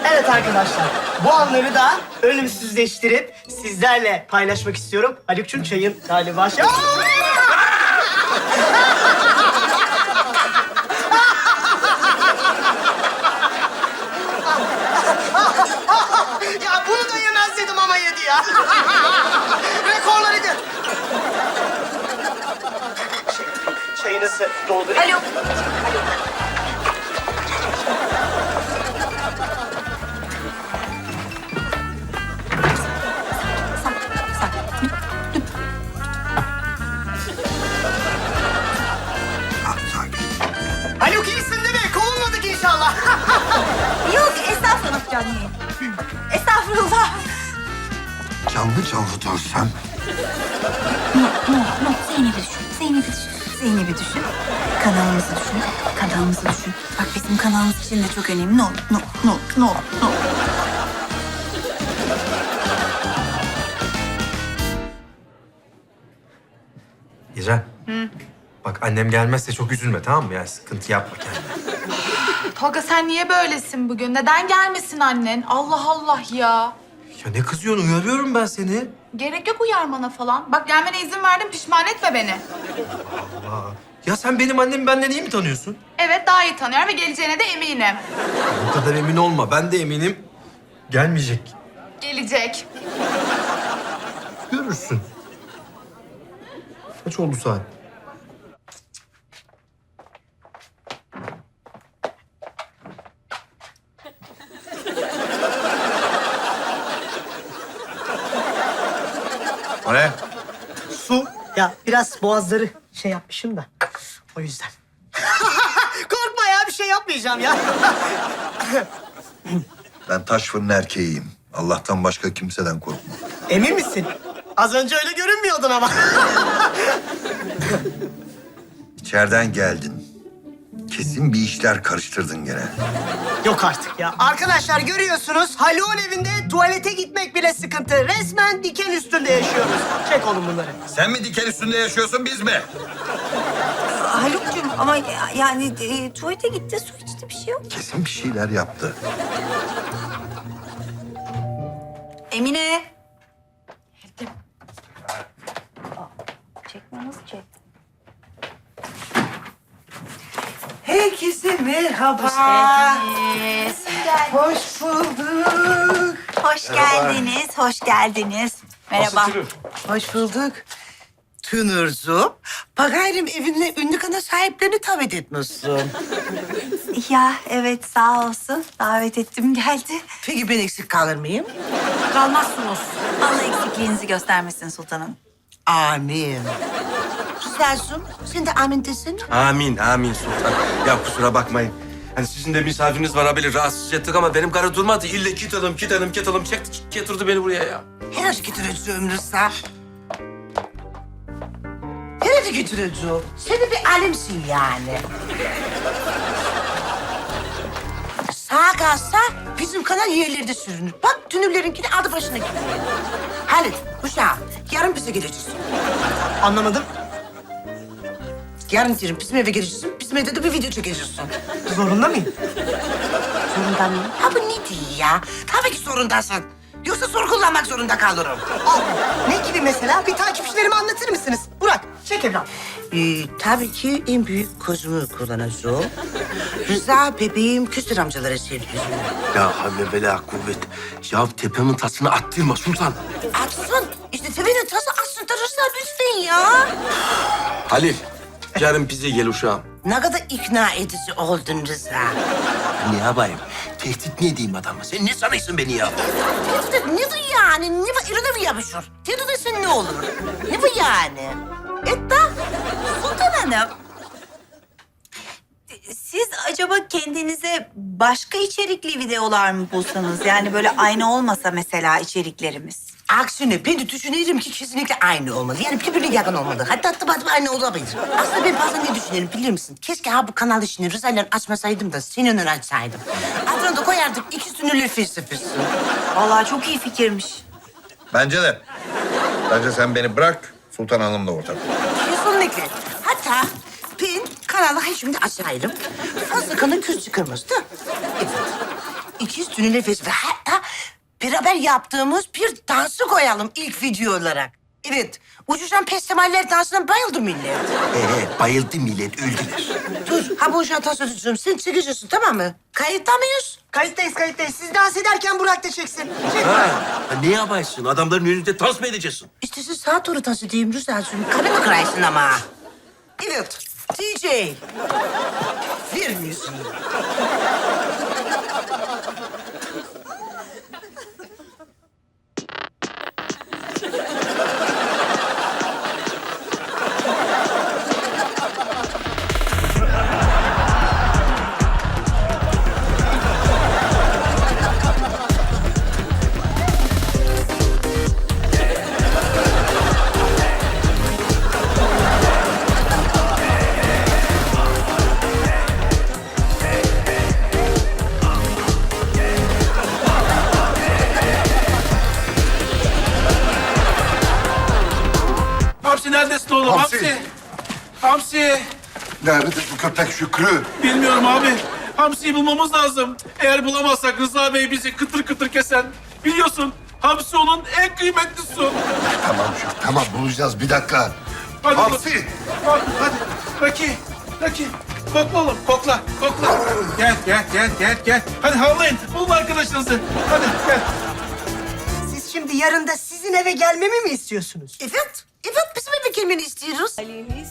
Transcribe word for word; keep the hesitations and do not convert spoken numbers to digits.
Evet arkadaşlar, bu anları da ölümsüzleştirip sizlerle paylaşmak istiyorum. Haluk'cum çayın galiba şey... Ya bunu da yemez dedim ama yedi ya. Rekorları gör. Çayınızı doldurayım. Alo. Haluk iyisin değil mi? Kovulmadık inşallah. Yok, estağfurullah canım. Estağfurullah. Canlı canlı dövsem. No, no, no. Zeynep'i düşün. Zeynep'i düşün. Zeynep'i düşün. Kanalımızı düşün. Kanalımızı düşün. Bak bizim kanalımız için de çok önemli. No, no, no, no, no. İrem. Bak annem gelmezse çok üzülme, tamam mı? Yani sıkıntı yapma kendine. Tolga sen niye böylesin bugün? Neden gelmesin annen? Allah Allah ya. Ya ne kızıyorsun? Uyarıyorum ben seni. Gerek yok uyarmana falan. Bak gelmene izin verdim, pişman etme beni. Aa, ya sen benim annemi benden iyi mi tanıyorsun? Evet, daha iyi tanıyorum ve geleceğine de eminim. Bu kadar emin olma. Ben de eminim. Gelmeyecek. Gelecek. Görürsün. Kaç oldu saat? O ne? Su. Ya biraz boğazları şey yapmışım da. O yüzden. Korkma ya, bir şey yapmayacağım ya. Ben taş fırın erkeğiyim. Allah'tan başka kimseden korkma. Emin misin? Az önce öyle görünmüyordun ama. İçeriden geldin. Kesin bir işler karıştırdın gene. Yok artık ya. Arkadaşlar görüyorsunuz, Haluk'un evinde tuvalete gitmek bile sıkıntı. Resmen diken üstünde yaşıyoruz. Çek oğlum bunları. Sen mi diken üstünde yaşıyorsun, biz mi? Haluk'cum ama ya- yani e, tuvalete gitti, su içti, bir şey yok. Kesin bir şeyler yaptı. Emine. Çekme, nasıl çek? Herkese merhaba. Geldiniz. Hoş bulduk. Hoş geldiniz, hoş geldiniz. Merhaba. Hoş bulduk. Tünürcüğüm, bakayım evinde ünlü kana sahiplerini davet etmişsin. Ya evet, sağ olsun. Davet ettim, geldi. Peki ben eksik kalır mıyım? Kalmazsınız. Allah eksikliğinizi göstermesin sultanım. Amin. Güzelsin, sen de amin desene. Amin, amin sultan. Ya kusura bakmayın. Hani sizin de misafiriniz var haberi rahatsız ettik ama benim karı durmadı. İlle kit alım, kit alım, kit alım çekti, getirdi beni buraya ya. Herhalde getireceğim Rıza. Herhalde getireceğim. Sen de bir alemsin yani. Sağa kalsa bizim kanal yerlerde sürünür. Bak tünürlerinkini adı başına gidiyor. Halit, uşağım, yarın bize geleceksin. Anlamadım. Yarın diyorum bizim eve geleceksin, bizim evde de bir video çekeceksin. Zorunda mıyım? Zorunda mıyım? Ha bu ne diyor ya? Tabii ki zorundasın. Yoksa soru kullanmak zorunda kalırım. Al. Ne gibi mesela? Bir takipçilerime anlatır mısınız? Burak, çek evlat. Ee, tabii ki en büyük kozumu kullanacağım. Rıza bebeğim küstür amcalara sevgili. Ya havle bela kuvvet. Ya tepemin tasını attırma sultan. Atsın. İşte tepenin tası atsın da Rıza lütfen ya. Halil, yarın bize gel uşağım. Ne kadar ikna edici oldun Rıza. Ne yapayım? Tehdit ne diyeyim adama? Sen ne sanıyorsun beni ya? Tehdit ne bu yani? Ne bu? İrine mi yapışır? Tehdit etsen ne olur? Ne bu yani? Et da. Sultan Hanım, siz acaba kendinize başka içerikli videolar mı bulsanız? Yani böyle aynı olmasa mesela içeriklerimiz. Aksine ben de düşünüyorum ki kesinlikle aynı olmalı. Yani birbirine yakın olmalı. Hatta hatta hatta aynı olabilir. Aslında ben bazen ne düşünüyorum biliyor musun? Keşke ha bu kanal işini Rıza'yla açmasaydım da senin önüne açsaydım. Adını da koyardık iki sünürlü felsefesi. Vallahi çok iyi fikirmiş. Bence de. Bence sen beni bırak, Sultan Hanım'la ortak. Kesinlikle. Hatta ben kanalı ha şimdi açayım. Fazla kanı küz çıkarmazdı. Evet. ikiz tünü nefes ve hatta beraber yaptığımız bir dansı koyalım ilk video olarak. Evet, uçuşan pestemaller dansına bayıldı millet. Evet, bayıldı millet, öldüler. Dur, ha bu uşağı tas edeceğim. Sen çıkacaksın, tamam mı? Kayıtta mıyız? Kayıttayız kayıttayız. Siz dans ederken Burak da çeksin. Çek. Ha, ha, ne yaparsın? Adamların önünde dans mı edeceksin? İşte siz sağa doğru dans edeyim Rüzgar'cığım. Karını kırarsın ama. Evet, D J. Ver müziği. Hamsi neredesin oğlum? Hamsi. Hamsi. Hamsi. Nerededir bu köpek Şükrü? Bilmiyorum abi. Hamsi'yi bulmamız lazım. Eğer bulamazsak Rıza Bey bizi kıtır kıtır kesen. Biliyorsun Hamsi onun en kıymetli su. Tamam Şükrü, tamam bulacağız bir dakika. Hadi Hamsi! Bak, hadi. Raki. Raki. Kokla oğlum. Kokla. Kokla. Gel gel gel gel gel. Hadi havlayın. Bulun arkadaşınızı. Hadi gel. Siz şimdi yarın da sizin eve gelmemi mi istiyorsunuz? Evet, evet bizim eve gelmeni istiyoruz.